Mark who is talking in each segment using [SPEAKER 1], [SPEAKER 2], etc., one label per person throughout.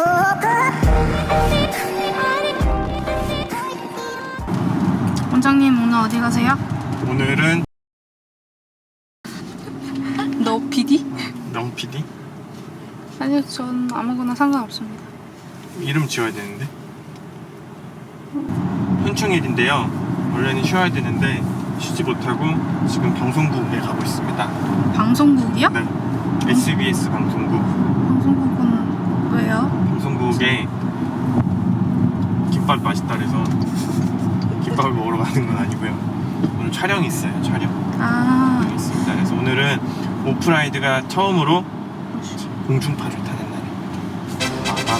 [SPEAKER 1] 원장님 오늘 어디 가세요?
[SPEAKER 2] 오늘은
[SPEAKER 1] 너 PD?
[SPEAKER 2] 영 PD?
[SPEAKER 1] 아니요, 전 아무거나 상관없습니다.
[SPEAKER 2] 이름 지어야 되는데 현충일인데요. 원래는 쉬어야 되는데 쉬지 못하고 지금 방송국에 가고 있습니다.
[SPEAKER 1] 방송국이요?
[SPEAKER 2] 네, SBS 방송국.
[SPEAKER 1] 방송국은 왜요?
[SPEAKER 2] 방송국에 김밥 맛있다 그래서 김밥을 먹으러 가는 건 아니고요. 오늘 촬영이 있어요. 촬영이 있습니다. 그래서 오늘은 오프라이드가 처음으로 공중파를 타는 날입니다.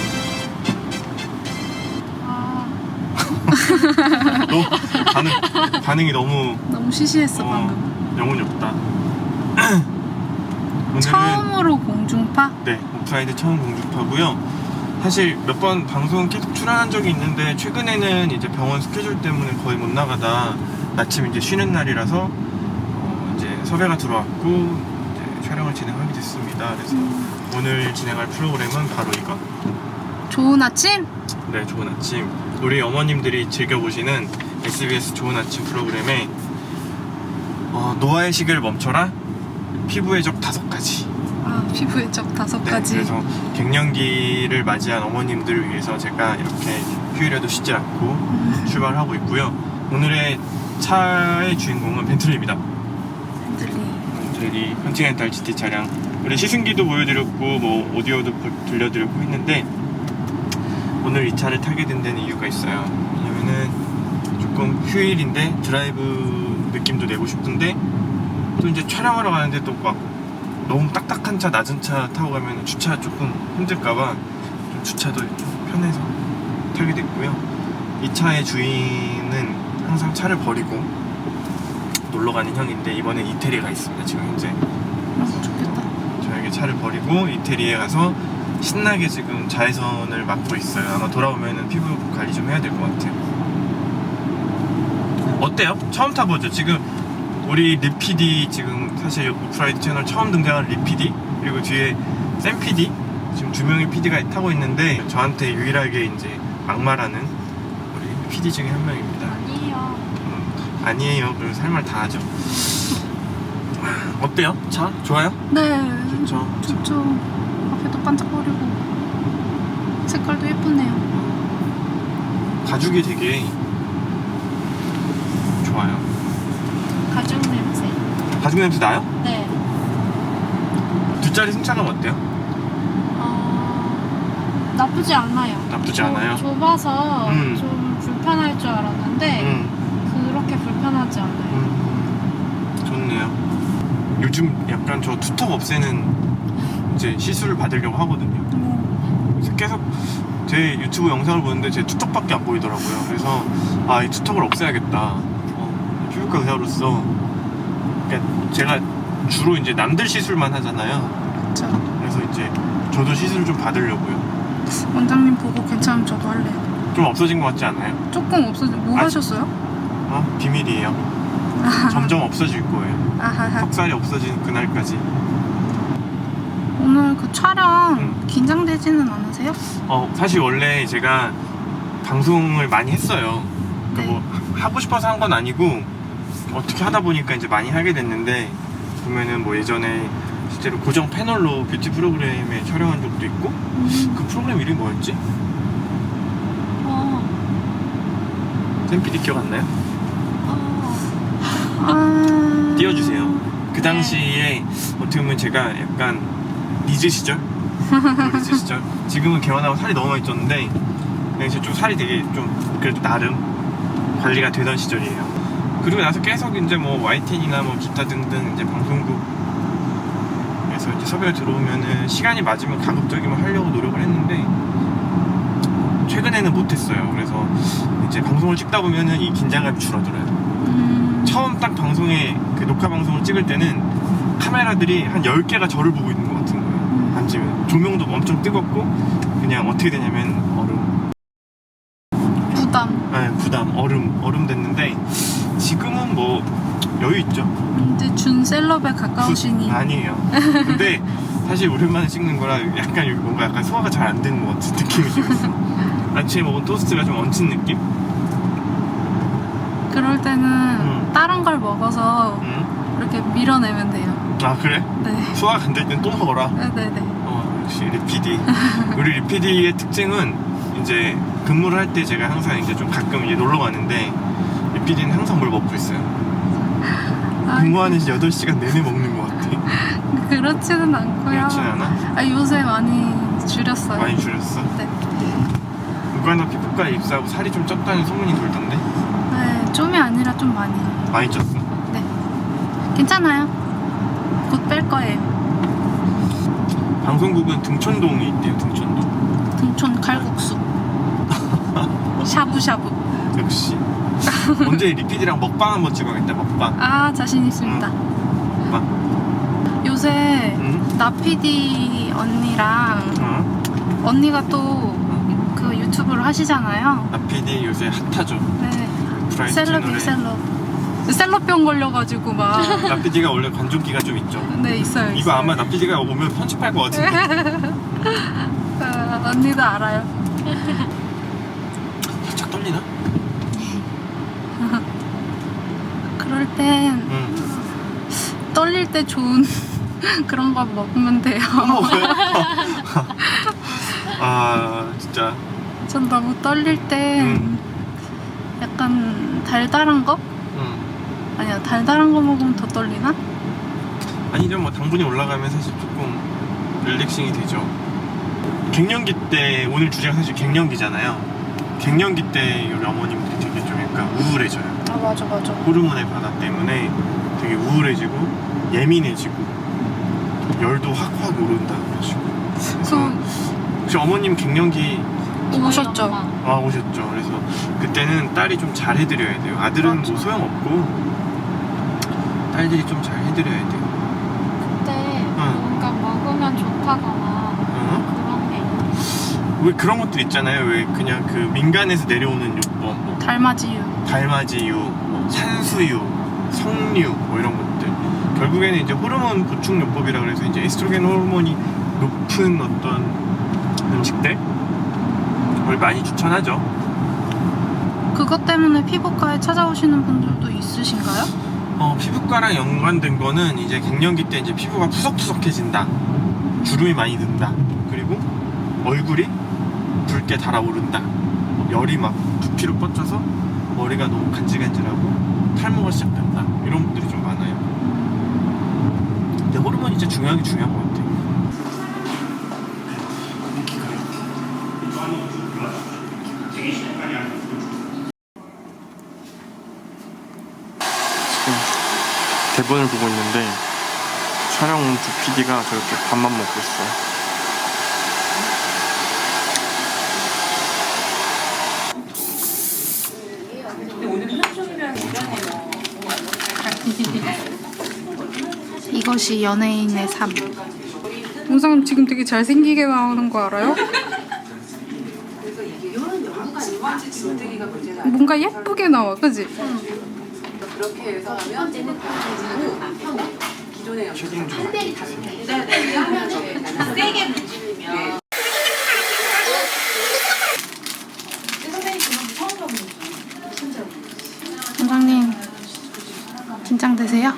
[SPEAKER 2] 반응이 너무
[SPEAKER 1] 시시했어 방금.
[SPEAKER 2] 영혼이 없다. 오늘은
[SPEAKER 1] 처음으로 공중파?
[SPEAKER 2] 네, 오프라이드 처음 공중파고요. 사실 몇 번 방송 계속 출연한 적이 있는데 최근에는 이제 병원 스케줄 때문에 거의 못 나가다 마침 이제 쉬는 날이라서 이제 섭외가 들어왔고 이제 촬영을 진행하게 됐습니다. 그래서 오늘 진행할 프로그램은 바로 이거.
[SPEAKER 1] 좋은 아침?
[SPEAKER 2] 네, 좋은 아침. 우리 어머님들이 즐겨보시는 SBS 좋은 아침 프로그램에 노화의 시계를 멈춰라, 피부의 적 5가지.
[SPEAKER 1] 피부의 적 5가지.
[SPEAKER 2] 네, 그래서 갱년기를 맞이한 어머님들을 위해서 제가 이렇게 휴일에도 쉬지 않고 출발하고 있고요. 오늘의 차의 주인공은 벤틀리입니다. 벤틀리 컨티넨탈 GT 차량. 우리 시승기도 보여드렸고 뭐 오디오도 들려드렸고 했는데 오늘 이 차를 타게 된 데는 이유가 있어요. 왜냐면은 조금 휴일인데 드라이브 느낌도 내고 싶은데 또 이제 촬영하러 가는데 또 막 너무 딱딱한 차, 낮은 차 타고 가면 주차 조금 힘들까봐 좀 주차도 좀 편해서 타게 됐고요. 이 차의 주인은 항상 차를 버리고 놀러 가는 형인데 이번엔 이태리에 가 있습니다. 지금 현재.
[SPEAKER 1] 좋겠다.
[SPEAKER 2] 저에게 차를 버리고 이태리에 가서 신나게 지금 자외선을 맞고 있어요. 아마 돌아오면은 피부 관리 좀 해야 될 것 같아요. 어때요? 처음 타보죠? 지금 우리 리PD 지금 사실 오프라이드 채널 처음 등장한 리PD 그리고 뒤에 샘 PD 지금 2명의 PD가 타고 있는데 저한테 유일하게 이제 막말하는 우리 PD 중에 한 명입니다.
[SPEAKER 1] 아니에요.
[SPEAKER 2] 아니에요. 그래서 할 말 다 하죠. 어때요? 차? 좋아요?
[SPEAKER 1] 네.
[SPEAKER 2] 좋죠.
[SPEAKER 1] 앞에도 반짝거리고 색깔도 예쁘네요.
[SPEAKER 2] 가죽이 되게 좋아요.
[SPEAKER 1] 가죽 냄새.
[SPEAKER 2] 가죽 냄새 나요?
[SPEAKER 1] 네.
[SPEAKER 2] 뒷자리 승차감 어때요?
[SPEAKER 1] 나쁘지 않아요.
[SPEAKER 2] 나쁘지 않아요?
[SPEAKER 1] 좁아서 좀 불편할 줄 알았는데 그렇게 불편하지 않아요.
[SPEAKER 2] 좋네요. 요즘 약간 저 투턱 없애는 이제 시술을 받으려고 하거든요. 그래서 계속 제 유튜브 영상을 보는데 제 투턱밖에 안 보이더라고요. 그래서 이 투턱을 없애야겠다. 피부과 의사로서 그러니까 제가 주로 이제 남들 시술만 하잖아요.
[SPEAKER 1] 그렇죠.
[SPEAKER 2] 그래서 이제 저도 시술을 좀 받으려고요.
[SPEAKER 1] 원장님 보고 괜찮으면 저도 할래요.
[SPEAKER 2] 좀 없어진 것 같지 않아요?
[SPEAKER 1] 조금 없어진. 뭐 하셨어요?
[SPEAKER 2] 비밀이에요. 점점 없어질 거예요.
[SPEAKER 1] 아하하.
[SPEAKER 2] 턱살이 없어지는 그날까지.
[SPEAKER 1] 오늘 그 촬영 긴장되지는 않으세요?
[SPEAKER 2] 사실 원래 제가 방송을 많이 했어요. 그러니까
[SPEAKER 1] 네.
[SPEAKER 2] 뭐 하고 싶어서 한 건 아니고 어떻게 하다 보니까 이제 많이 하게 됐는데 보면은 뭐 예전에 실제로 고정 패널로 뷰티 프로그램에 촬영한 적도 있고 그 프로그램 이름이 뭐였지? 샘 PD 기억 안 나요? 띄워주세요. 그 당시에 어떻게 보면 제가 약간 리즈 시절? 리즈 시절? 지금은 개원하고 살이 너무 많이 쪘는데 그냥 좀 살이 되게 좀 그래도 나름 관리가 되던 시절이에요. 그리고 나서 계속 이제 뭐 YTN이나 뭐 기타 등등 이제 방송국에서 이제 섭외가 들어오면은 시간이 맞으면 가급적이면 하려고 노력을 했는데 최근에는 못했어요. 그래서 이제 방송을 찍다 보면은 이 긴장감이 줄어들어요. 처음 딱 방송에 그 녹화 방송을 찍을 때는 카메라들이 한 10개가 저를 보고 있는 것 같은 거예요. 앉으면 조명도 엄청 뜨겁고 그냥 어떻게 되냐면 부담 얼음 됐는데 지금은 뭐 여유 있죠.
[SPEAKER 1] 이제 준 셀럽에 가까우시니.
[SPEAKER 2] 아니에요. 근데 사실 오랜만에 찍는 거라 약간 여기 뭔가 약간 소화가 잘 안 되는 것 같은 느낌이 좀 있어. 아침에 먹은 토스트가 좀 얹힌 느낌?
[SPEAKER 1] 그럴 때는 다른 걸 먹어서
[SPEAKER 2] 응?
[SPEAKER 1] 이렇게 밀어내면 돼요.
[SPEAKER 2] 아 그래?
[SPEAKER 1] 네.
[SPEAKER 2] 소화가 안 될 땐 또 먹어라.
[SPEAKER 1] 네네네.
[SPEAKER 2] 역시 리피디. 우리 리피디의 특징은 이제 근무를 할 때 제가 항상 이제 좀 가끔 이제 놀러 가는데 리피디는 항상 뭘 먹고 있어요. 근무하는 8시간 내내 먹는 것 같아.
[SPEAKER 1] 그렇지는 않고요.
[SPEAKER 2] 그렇진 않아?
[SPEAKER 1] 아, 요새 많이 줄였어요.
[SPEAKER 2] 많이 줄였어?
[SPEAKER 1] 네.
[SPEAKER 2] 누가나 피부과에 입사하고 살이 좀 쪘다는 소문이 돌던데?
[SPEAKER 1] 네, 좀이 아니라 좀 많이.
[SPEAKER 2] 많이 쪘어?
[SPEAKER 1] 네. 괜찮아요. 곧 뺄 거예요.
[SPEAKER 2] 방송국은 등촌동이 있대요. 등촌동.
[SPEAKER 1] 등촌 칼국수. 샤브샤브.
[SPEAKER 2] 역시. 언제 리피디랑 먹방 한번 찍어야겠다. 먹방.
[SPEAKER 1] 아, 자신 있습니다.
[SPEAKER 2] 먹방.
[SPEAKER 1] 요새
[SPEAKER 2] 응?
[SPEAKER 1] 나피디 언니랑
[SPEAKER 2] 응?
[SPEAKER 1] 언니가 또 그 유튜브를 하시잖아요.
[SPEAKER 2] 나피디 요새 핫하죠.
[SPEAKER 1] 네.
[SPEAKER 2] 브라이트
[SPEAKER 1] 셀럽이
[SPEAKER 2] 채널에.
[SPEAKER 1] 셀럽병 걸려가지고 막.
[SPEAKER 2] 나피디가 원래 관종기가 좀 있죠.
[SPEAKER 1] 네, 있어요.
[SPEAKER 2] 이거
[SPEAKER 1] 있어요.
[SPEAKER 2] 아마 나피디가 오면 편집할 것 같은데.
[SPEAKER 1] 언니도 알아요.
[SPEAKER 2] 살짝 떨리나?
[SPEAKER 1] 그럴 땐
[SPEAKER 2] 응.
[SPEAKER 1] 떨릴 때 좋은 그런 거 먹으면 돼요.
[SPEAKER 2] 또 먹어요? 아 진짜.
[SPEAKER 1] 전 너무 떨릴 땐 약간 달달한 거?
[SPEAKER 2] 응.
[SPEAKER 1] 아니야, 달달한 거 먹으면 더 떨리나?
[SPEAKER 2] 아니죠. 뭐 당분이 올라가면 사실 조금 릴렉싱이 되죠. 갱년기 때 오늘 주제가 사실 갱년기잖아요. 갱년기 때 우리 어머님들이 되게 좀 약간 우울해져요.
[SPEAKER 1] 아, 맞아.
[SPEAKER 2] 호르몬의 변화 때문에 되게 우울해지고 예민해지고 열도 확 오른다 그러시고. 그래서 혹시 어머님 갱년기
[SPEAKER 1] 오셨죠?
[SPEAKER 2] 아 오셨죠. 그래서 그때는 딸이 좀 잘 해드려야 돼요. 아들은
[SPEAKER 1] 맞아.
[SPEAKER 2] 뭐 소용없고 딸들이 좀 잘 해드려야 돼요.
[SPEAKER 3] 그때
[SPEAKER 2] 응.
[SPEAKER 3] 뭔가 먹으면 좋다거나 그런 게
[SPEAKER 2] 왜 그런 것들 있잖아요. 왜 그냥 그 민간에서 내려오는 요법, 뭐
[SPEAKER 1] 달맞이유.
[SPEAKER 2] 달맞이유, 뭐 산수유, 석류, 뭐 이런 것들. 결국에는 이제 호르몬 보충 요법이라 그래서 이제 에스트로겐 호르몬이 높은 어떤 음식들 을 많이 추천하죠.
[SPEAKER 1] 그것 때문에 피부과에 찾아오시는 분들도 있으신가요?
[SPEAKER 2] 피부과랑 연관된 거는 이제 갱년기 때 이제 피부가 푸석푸석해진다, 주름이 많이 든다, 그리고 얼굴이 붉게 달아오른다, 열이 막 두피로 뻗쳐서 머리가 너무 간질간질하고 탈모가 시작된다, 이런 분들이 좀 많아요. 근데 호르몬이 진짜 중요한 것 같아요. 지금 대본을 보고 있는데 촬영 온 두 PD가 저렇게 밥만 먹고 있어요.
[SPEAKER 1] 이것이 연예인의 삶. 원장님 지금 되게 잘생기게 나오는 거 알아요? 뭔가 예쁘게 나와, 그지?
[SPEAKER 4] 그렇게 해서 하면 기존에
[SPEAKER 2] 책임 좀
[SPEAKER 4] 세게 문지르면
[SPEAKER 1] 원장님 긴장되세요?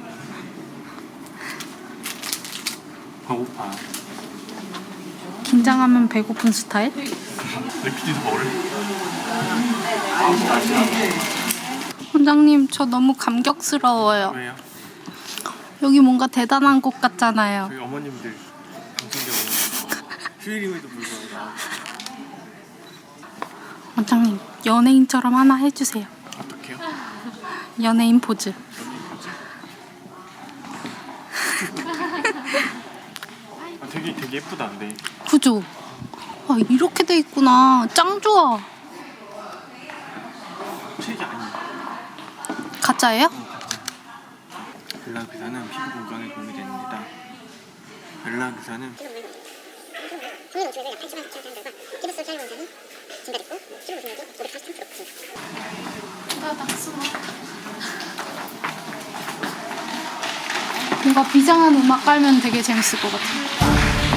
[SPEAKER 2] 배고파.
[SPEAKER 1] 긴장하면 배고픈 스타일?
[SPEAKER 2] 내 PD도 먹을래?
[SPEAKER 1] 원장님 저 너무 감격스러워요.
[SPEAKER 2] 왜요?
[SPEAKER 1] 여기 뭔가 대단한 곳 같잖아요.
[SPEAKER 2] 저희 어머님들 방송대 어머님들 휴일임에도 불구하고
[SPEAKER 1] 원장님 연예인처럼 하나 해주세요.
[SPEAKER 2] 어떡해요?
[SPEAKER 1] 연예인 포즈.
[SPEAKER 2] 되게 예쁘다. 근데
[SPEAKER 1] 그죠? 아, 이렇게 돼 있구나. 짱 좋아.
[SPEAKER 2] 책이 아니에요.
[SPEAKER 1] 가짜예요?
[SPEAKER 2] 벨라 기사는 피부 건강에 도움이 됩니다. 벨라 기사는
[SPEAKER 5] 국내 노출액을 약 80만 9천 사람들과 피부속 촬영 원산이 증가됐고 피부 보증력이 543% 증가.
[SPEAKER 1] 뭔가 비장한 음악 깔면 되게 재밌을 것 같아요.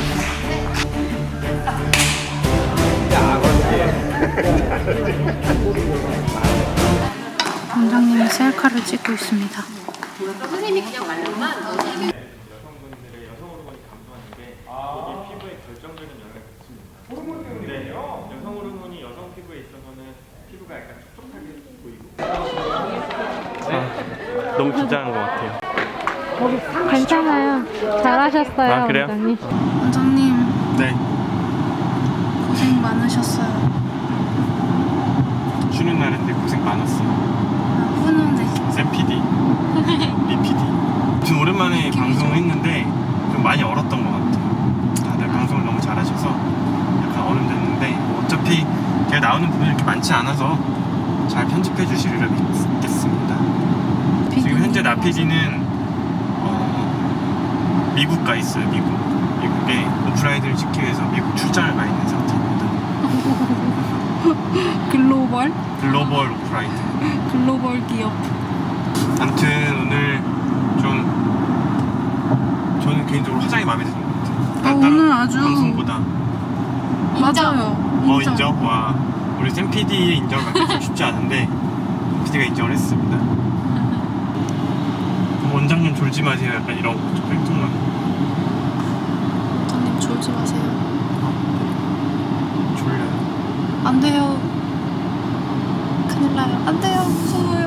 [SPEAKER 1] 원장님이 셀카를 찍고 있습니다.
[SPEAKER 4] 선생님이 그냥 말로만
[SPEAKER 2] 여성분들의 여성 호르몬이 감소하는 게 여기 피부에 결정적인 영향을 미칩니다. 호르몬 때문에요? 여성 호르몬이 여성 피부에 있어서는 피부가 약간 촉촉하게 보이고. 너무 긴장한 것 같아요.
[SPEAKER 3] 괜찮아요. 잘하셨어요,
[SPEAKER 2] 아, 그래요?
[SPEAKER 3] 원장님.
[SPEAKER 1] 원장님
[SPEAKER 2] 네.
[SPEAKER 1] 고생 많으셨어요.
[SPEAKER 2] 쉬는 날인데 고생 많았어요.
[SPEAKER 1] 훈훈해.
[SPEAKER 2] 샘 PD, 리 PD. 좀 오랜만에 방송을 했는데 좀 많이 얼었던 것 같아요. 다들 방송을 너무 잘하셔서 약간 얼음됐는데 뭐 어차피 제가 나오는 부분이 이렇게 많지 않아서 잘 편집해 주시리라 믿겠습니다. 지금 현재 나 PD는 미국 가 있어요. 미국에 오프라이드를 찍기 위해서 미국 출장을 가 있는 상태입니다. 글로벌 오프라이드.
[SPEAKER 1] 글로벌 기업.
[SPEAKER 2] 아무튼 오늘 좀 저는 개인적으로 화장이 마음에 드는 것 같아요. 다른
[SPEAKER 1] 오늘 아주
[SPEAKER 2] 방송보다.
[SPEAKER 1] 맞아요.
[SPEAKER 2] 인정? 와, 우리 샘 PD의 인정을 받기 좀 쉽지 않은데 PD가 인정을 했습니다. 원장님 졸지 마세요. 약간 이런 거 좀 팩통만.
[SPEAKER 1] 원장님 졸지 마세요.
[SPEAKER 2] 졸려요.
[SPEAKER 1] 안 돼요. 큰일 나요. 안 돼요. 무서워요.